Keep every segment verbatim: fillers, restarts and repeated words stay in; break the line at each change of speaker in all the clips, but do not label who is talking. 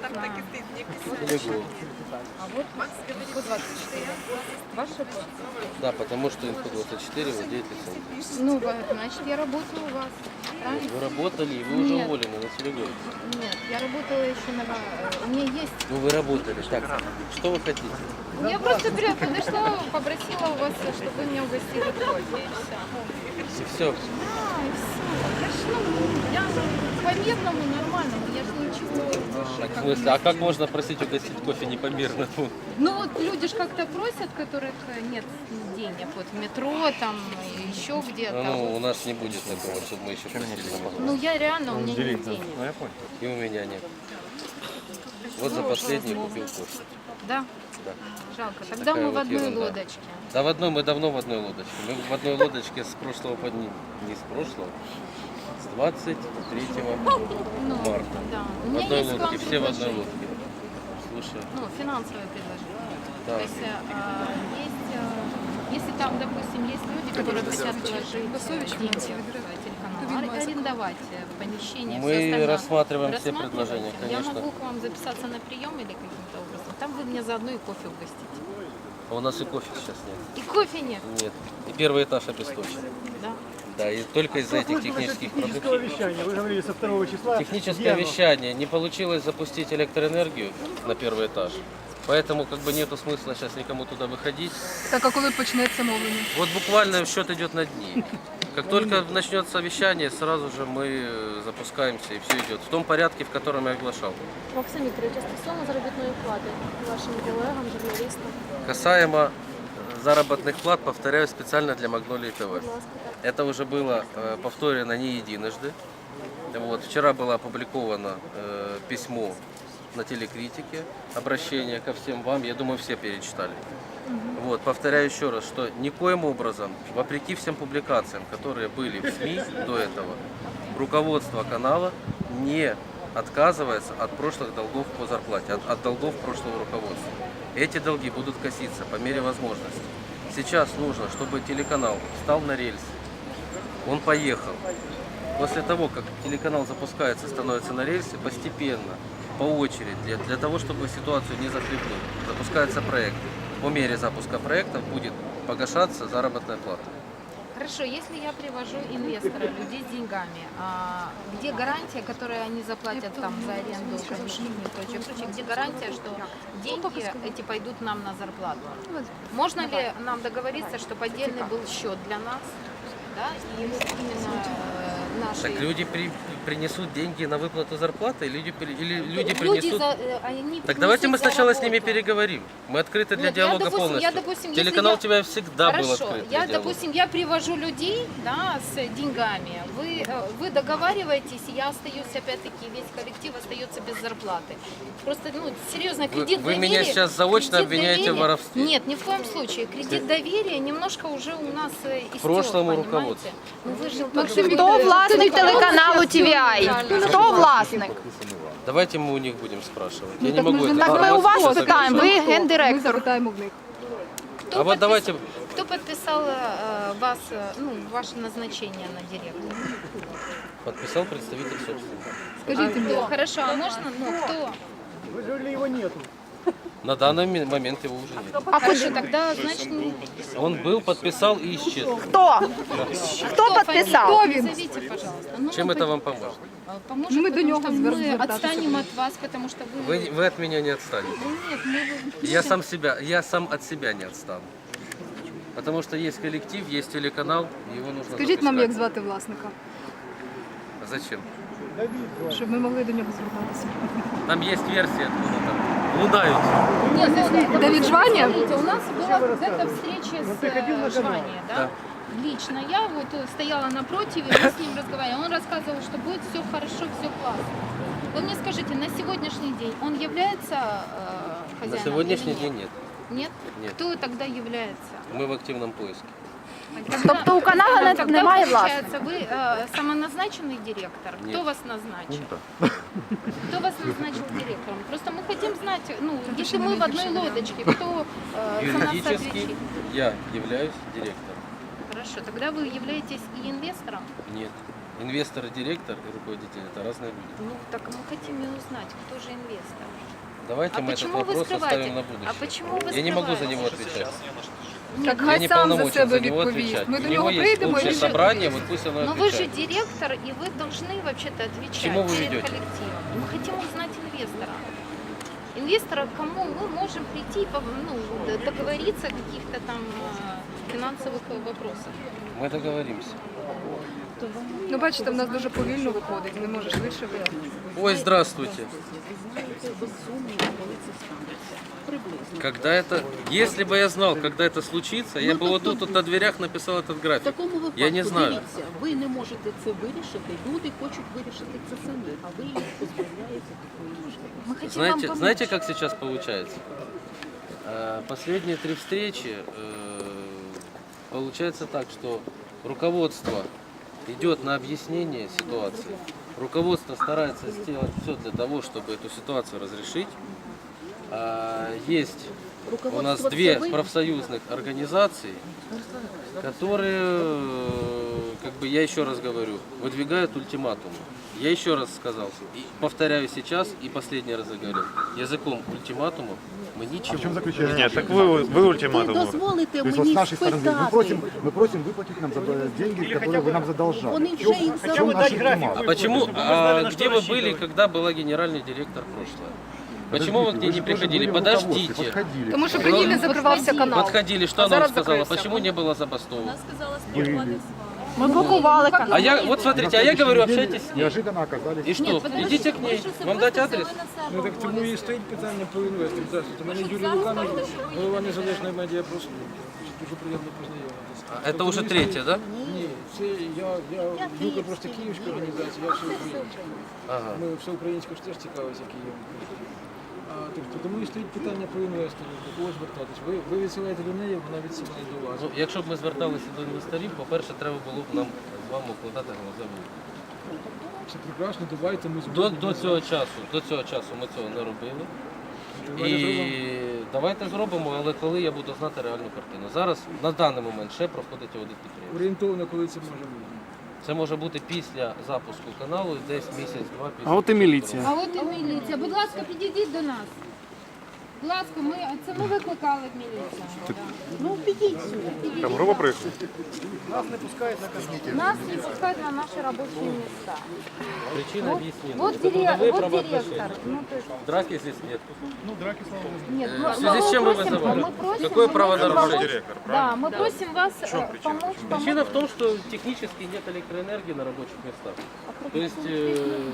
Там так и стоит мне
Телегол.
А вот инфо двадцать четыре. Ваша почта?
Да, потому что инфо двадцать четыре владеет лицензией.
Ну, вот, значит, я работаю у вас. Правильно?
Вы работали, и вы уже
Нет.
уволены на Телегол.
Нет, я работала еще на... У меня есть...
Ну вы работали. Так, что вы хотите?
Я просто прям подошла, попросила у вас, чтобы вы меня угостили кофе, и все.
И все.
Да, и все. Я ж, ну, я по-мирному, нормальному, я же ничего больше...
Так, в
как
смысле,
бы
а
не
как
делаю.
можно просить угостить кофе непомерно?
Ну вот люди же как-то просят, которых нет денег, вот в метро там, еще где-то.
Ну, у нас не будет такого, чтобы мы еще просили на
Ну
погоду.
я реально, у меня нет денег.
И у меня нет. Вот за последний купил кофе.
Да?
Да.
Жалко. Тогда
Такая
мы в
вот
одной
ерунда.
лодочке.
Да в одной, мы давно в одной лодочке. Мы в одной лодочке с прошлого, под- не, не с прошлого, с двадцать третьего
Ну,
марта.
да. У
В
меня
одной
есть к вам
лодке, все в одной
предложение.
лодке. Слушай,
Ну, финансовое предложение.
да.
То есть, а, есть, а, если там, допустим, есть люди, которые хотят вложить деньги в телеканал, ар- арендовать э, помещение,
Мы
все остальное.
рассматриваем все
Рассматриваете?
предложения,
Я
конечно.
могу к вам записаться на прием или каким-то образом. Там вы мне заодно и кофе угостите.
А у нас и кофе сейчас нет.
И кофе нет,
Нет. И первый этаж обесточен.
да?
Да, и только из-за этих технических
Технического
проблем.
вещания. Вы говорили со второго числа.
Техническое
Где оно?
вещание. Не получилось запустить электроэнергию на первый этаж. Поэтому как бы нету смысла сейчас никому туда выходить.
Так, а коли почнеться мовлення?
Вот буквально счет идет на дни. Как только начнется вещание, сразу же мы э, запускаемся и все идет в том порядке, в котором я оглашал.
Максим Вікторович, а стосовно заробітної плати вашим колегам, журналістам,
Касаемо э, заработных плат, повторяю специально для Магнолии ТВ.
будь ласка, так.
Это уже было э, повторено не единожды. Вот, вчера было опубликовано э, письмо на телекритике, обращение ко всем вам, я думаю, все перечитали. Вот, повторяю еще раз, что никоим образом, вопреки всем публикациям, которые были в СМИ до этого, руководство канала не отказывается от прошлых долгов по зарплате, от, от долгов прошлого руководства. Эти долги будут коситься по мере возможности. Сейчас нужно, чтобы телеканал встал на рельсы, он поехал. После того, как телеканал запускается, становится на рельсы, постепенно, по очереди, для, для того, чтобы ситуацию не захлебнуть, запускается проект. По мере запуска проекта будет погашаться заработная плата.
Хорошо, если я привожу инвестора, людей с деньгами, а где гарантия, которую они заплатят там за аренду помещений и прочее, прочее, где гарантия, что деньги эти пойдут нам на зарплату? Можно ли нам договориться, чтобы отдельный был счет для нас, да, и именно э, наши...
Так люди при- принесут деньги на выплату зарплаты, люди, при- или люди
Люди
принесут...
за- э, они
Так давайте мы
принесут за
сначала с ними
работу.
переговорим. Мы открыты для
Нет, я,
диалога
допустим,
полностью.
я, допустим, если
Телеканал
я-
тебя всегда был
Хорошо,
открыт для
я,
диалога.
допустим, я привожу людей, да, с деньгами, вы, э, вы договариваетесь, и я остаюсь, опять-таки, весь коллектив остается без зарплаты. Просто, ну, серьезно,
Вы-
кредит
вы
доверия...
меня сейчас заочно
кредит
обвиняете в
доверия-
воровстве.
Нет, ни в коем случае. Кредит доверия немножко уже у нас э, истек,
прошлому
понимаете?
руководству.
Ну, вы же
Максим
тоже-
Хто власник телеканалу Ті Ві Ай? Хто власник?
Давайте мы у них будем спрашивать.
Ну,
Я не могу это
Так ми у
информацию
вас
собирать.
питаємо, ви
Ми
гендиректор.
запитаємо в них.
Кто
А вот
подпис-
давайте-
Кто подписал э, вас, э, ну, ваше назначение на директора?
Подписал представитель собственника.
Скажіть мені,
Кто? Хорошо, а можно, ну, кто?
Вы говорили, его нету.
На данный ми- момент его уже нет.
А
Хорошо, тогда, значит, не...
Он был, подписал и исчез.
Хто? Хто підписав?
Хто він?
Назовите, пожалуйста. Ну,
Чем
мы
это вам поможет?
по- Поможет,
Ну, мы до
потому
него
что
звер-
мы
звертаться
отстанем
будем.
от вас, потому что вы...
Вы, вы от меня не отстанете.
Нет, мы...
Я сам себя, я сам от себя не отстану. Потому что есть коллектив, есть телеканал, его нужно
Скажіть нам, як
запускать.
звати власника,
Зачем?
щоб ми могли до нього звертатися.
Там есть версия откуда там. Лунают.
Нет, ну, ну,
Давид Жвания?
Смотрите, у нас была где-то встреча с
ты ходил на
э,
канал?
Жвания, да?
Да.
Лично я вот э, стояла напротив, и мы с ним разговаривали. Он рассказывал, что будет все хорошо, все классно. Вы мне скажите, на сегодняшний день он является э, хозяином?
На сегодняшний
или
день
нет?
нет.
Нет?
Нет.
Кто тогда является?
Мы в активном поиске.
Тобто у каналу не-
Тогда,
немає
получается,
власника?
вы э, самоназначенный директор? Кто
Нет.
вас назначил? Кто вас назначил директором? Просто мы хотим знать, ну, если мы в одной лодочке, кто э, за нас
Юридически
отвечает?
я являюсь директором.
Хорошо, тогда вы являетесь и инвестором?
Нет. Инвестор и директор и руководитель – это разные люди.
Ну, так мы хотим и узнать, кто же инвестор.
Давайте
А
мы этот
почему вы
вопрос
скрываете?
оставим на будущее.
А почему вы
Я не могу за
скрываете?
него отвечать.
Так
Я
хай
не
сам за
полномочен
себе
за него
відповість.
отвечать.
Ми
У
до
него
нього
есть
прийдемо і
общее
він
собрание, вот пусть оно
Но вы же
отвечает.
директор, и вы должны вообще-то отвечать
Чему вы
перед
ведете?
коллективом. Мы хотим узнать инвестора. Инвестора, к кому мы можем прийти и пов- ну, д- договориться о каких-то там э, финансовых э, вопросах.
Мы договоримся.
Ну, бачите, в нас дуже повільно виходить, не може швидше вийти.
Ой, здравствуйте. Когда это, если бы я знал, когда это случится, я бы вот тут вот на дверях написал этот
В
график.
такому випадку,
Я не знаю.
дивіться, ви не можете це вирішити, люди хочуть вирішити це самі, а ви їх позбавляєте такої можливості.
Мы хотим вам
Знаете,
помочь.
знаете, как сейчас получается? Э, Последние три встречи э, получается так, что руководство идет на объяснение ситуации. Руководство старается сделать все для того, чтобы эту ситуацию разрешить. А, Есть у нас
Руководство
две
це ви?
профсоюзных организации, которые, э, как бы я еще раз говорю, выдвигают ультиматумы. Я еще раз сказал, и повторяю сейчас и последний раз говорю, языком ультиматумов мы ничего.
В чем заключается?
Нет, так вы, вы
Ви
ультиматум.
дозволите
То есть вот с
мені
нашей стороны, мы
спитати.
просим, мы просим выплатить нам за деньги, которые вы нам задолжали.
Вони
В
вже
чем-
їх
в чем
Хотя бы
наш
дать график.
ультиматум?
А почему,
Чтобы мы знали,
а
на что
где вы были,
рассчитывать.
когда была генеральный директор прошлое? Почему вы к ней
Подождите,
не
же тоже
приходили?
были в руководстве,
Подождите.
Подходили.
Тому що при ній не закривався канал.
Подходили, что
А
она вам
зараз
сказала?
закрився.
Почему не было забастовок?
Были.
Ми блокували канал.
А я, вот смотрите, а я говорю, общайтесь с ней.
Неожиданно оказались.
И что? Идите к ней. Вам дать адрес?
Ну так тому і стоїть питання по інвесторам. Здравствуйте, мене Юрій Луканов, голова незалежної медіапрослуги. Дуже приємно познайомитися.
А это уже третье, да?
Ні, це я, я Юка просто київська організація, я всеукраїнська.
Ага.
Ми всеукраїнською ж теж цікавимося Києвом. А, тобто, тому і стоїть питання по інвестору, до кого звертатись. Ви, ви відсилаєте до неї, вона відсилає до вас.
Ну, якщо б ми зверталися до інвесторів, по-перше, треба було б нам з вами укладати глазову.
Все прекрасно, давайте ми
До,
зробимо.
до цього часу, до цього часу ми цього не робили. І давайте зробимо, але коли я буду знати реальну картину. Зараз, на даний момент, ще проходить аудит підприємства.
Орієнтовно, коли це може бути.
Це може бути після запуску каналу, десь місяць-два після.
А от і міліція.
А от і міліція. Будь ласка, підійдіть до нас. Будь ласка, ми, це ми викликали міліцію.
Ну, підіть сюди.
Там група приїхала?
Нас не пускають на канал.
Нас не пускают на наши рабочие места.
Причина объяснена.
Вот,
Это
дире-
трудовые
вот
правоотношения.
директор. Ну, то есть,
Драки здесь нет.
нет,
Э,
мы-
в связи
мы
с чем вы
просим-
вызывали?
мы просим-
Какое
мы
правонарушение?
просим-
Директор,
Да, мы просим вас э, помочь, помочь.
Причина в том, что технически нет электроэнергии на рабочих местах. То есть, э,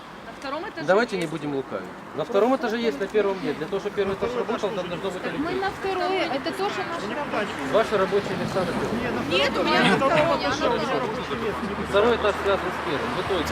давайте не будем лукавить. На втором этаже есть, на первом нет. Для того, чтобы первый этаж работал, там должно быть
Мы
электричество.
на второе, это тоже наши рабочие.
Ваши рабочие места на первом.
Нет, у меня на второе, оно тоже.
Второй этаж связан с первым. В итоге.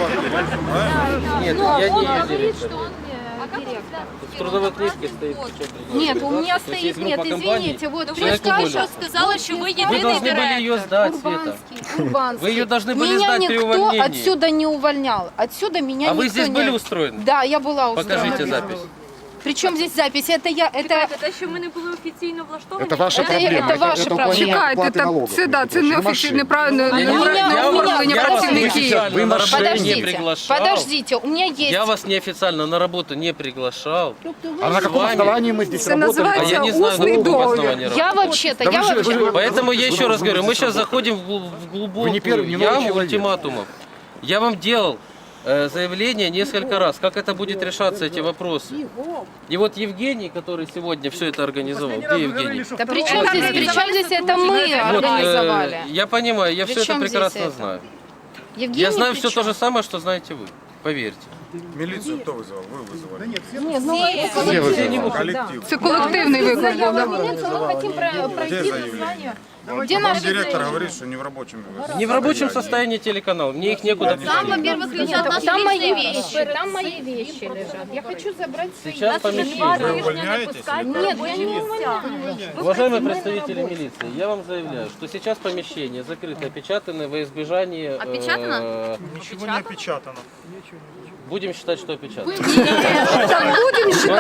Нет,
Но
я
он
не ее
говорит,
директор.
что он э, директор.
В трудовой книжке стоит причем
Нет, у меня
То есть
стоит,
есть
нет,
группа компаний,
извините, вот
человек
только
уволен.
что сказала, что вы
Вы должны были ее сдать, Света.
Урбанский, Урбанский.
Вы ее должны были
Меня
сдать при
никто
увольнении.
отсюда не увольнял. Отсюда меня
А вы
никто
здесь
не...
были устроены?
Да, я была устроена.
Покажите запись.
Причем здесь запись? Это я, это...
Те, що ми не були офіційно влаштовані,
Это ваша
Это-
проблема.
это ваши проблемы.
Чекайте,
платы
так
налогов.
це, да, це не офіційне правильно,
Я
не
не- я
правильне
вас-
оформлення
я вас
працівників.
официально
Вы
на работу не
Подождите,
приглашал.
подождите, у меня есть...
Я вас неофициально на работу не приглашал.
А на каком
вами-
основании мы здесь
Це
работаем?
А я
називається
не знаю, на
усний
каком
договір.
основании
Я
работать.
вообще-то,
Да
я
вы же-
вообще...
вы-
Поэтому я еще раз говорю, мы
Вы
сейчас
не
заходим в глу- в глубокую
первый, не новый
яму
человек.
ультиматумов. Я вам делал э, заявление несколько раз, как это будет решаться, эти вопросы. И вот Евгений, который сегодня все это организовал, где Евгений?
Да при чем здесь, при чем здесь это мы
Вот, э,
организовали?
я понимаю, я
При
все это
чем
прекрасно
здесь это?
знаю.
Евгений,
Я знаю
при
все
чем?
то же самое, что знаете вы, поверьте.
Міліцію хто визивав? Ви визивали.
Нет, ну это
Все вы
коллективный.
Колектив.
Це колективний виклик був.
Заяву
да.
милицию, мы хотим про- пройти
Где заявление?
название.
Где
Вам
наши
директор
заявления?
говорить, що не в робочому.
Не в рабочем состоянии телеканал, мне их некуда
Там,
пустить.
во-первых, лежат наши
там мои
личные
вещи.
вещи. Там мои вещи лежат. Я хочу забрать свои.
Сейчас помещение.
Ви увольняєтесь?
Нет, я не увольняю.
Уважаемые представители милиции, я вам заявляю, что сейчас помещение закрыто, опечатано во избежание... э,
Опечатано?
Нічого не опечатано.
Будем считать, что опечатано.
Так, будемо
Они
считати,
закрыты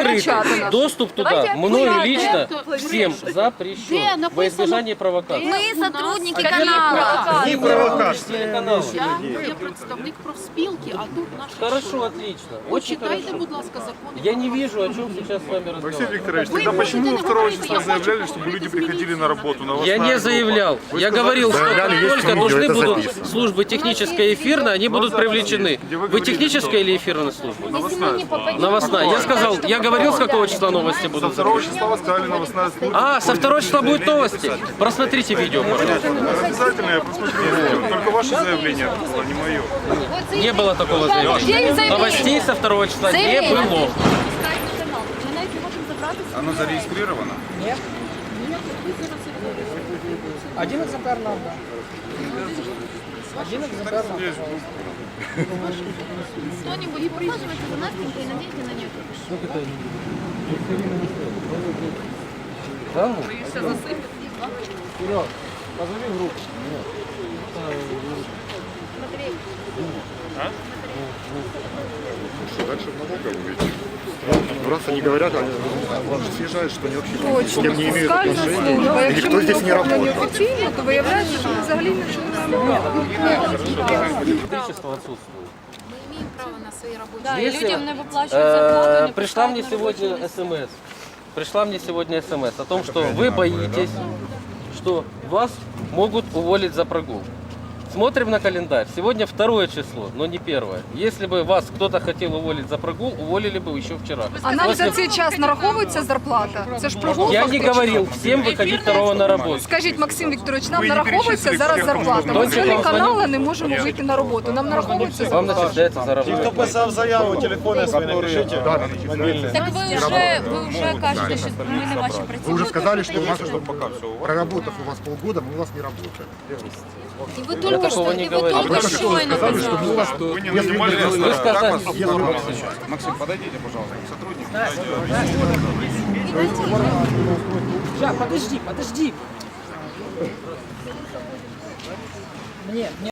кричати
открытый.
нас.
Доступ туда
Давайте
мною
аккуратно.
лично
Где
всем
написано?
запрещен во избежание провокации.
Мы сотрудники
Какие
канала.
Не телеканал.
Я є представник профспілки, а тут наш.
Хорошо, отлично. Очень
Почитайте,
хорошо.
будь ласка, закони.
Я не вижу, о чем сейчас с вами
Алексей
разговаривать.
Викторович,
Вы
тогда
можете
почему
не
вы второго
говорить,
числа
я хочу
заявляли, чтобы
поговорить
люди
с
приходили
милицией.
на работу? На
Я не заявлял.
Вы
Я
сказали,
говорил, что
заявляли,
как
есть
только
видео,
нужны
это
будут
записано.
службы технической и эфирной, они будут привлечены.
где вы
Вы
говорили,
техническая
что-
или эфирная служба?
Новостная служба.
Новостная. Я сказал, я говорил, с какого числа новости
Со
будут.
второго числа вы сказали новостная служба.
А, со второго числа будут новости. Просмотрите видео, пожалуйста.
Обязательно я посмотрю. Только ваше заявление было, не мое.
Не было такого заявления. Новостей со второго числа не было.
Оно зарегистрировано?
Один экземпляр нам, да. Один экземпляр нам.
Кто-нибудь ухаживайте за Настенькой и наденьте на нее капюшон.
Да, ну?
Вперед. Позови в руку.
Дальше много увидите. Ну, раз они говорят, они съезжают, что они вообще ни с кем не имеют отношения. И никто здесь не работает.
Офіційно, то виявляється, що ми взагалі нічого не робимо.
Электричество отсутствует.
Мы имеем право на свои рабочие.
Да, і
Если,
людям не виплачують зарплату,
э,
не
пришла мне
пускають на робоче
сегодня
місце.
смс. Пришла мне сегодня смс о том, что вы боитесь, что вас могут уволить за прогул. Смотрим на календарь. Сегодня второе число, но не первое. Если бы вас кто-то хотел уволить за прогул, уволили бы еще вчера.
А нам
После-
за цей час нараховується зарплата? Це ж прогул
Я не
фактично.
говорил всем выходить второго на работу.
Скажіть, Максим Вікторович, нам
Ви не
нараховується
перечислили,
зараз
скільки кому
зарплата. Ми
нужно.
члени
Вам
каналу не можемо вийти на роботу. Нам нараховується
Вам
зарплата.
начисляется заработок.
писав заяву, телефони свої напишіть.
Да, мобильные.
Так ви вже, ви вже кажете, що ми не ваші працівники.
Вы уже сказали, что у нас,
Что пока все у вас.
проработав у вас полгода, мы у вас не работаем.
И вы только
такого
что,
не
и вы
говорили.
только
Вы
что
сказали, что мы у вас...
Вы не
Если
нанимали
вы-
нас,
вы
как
сказали,
вас
если
форма
вы-
назначать? Максим, подойдите, пожалуйста, к сотруднику.
Сейчас, подожди, подожди. Мне, мне.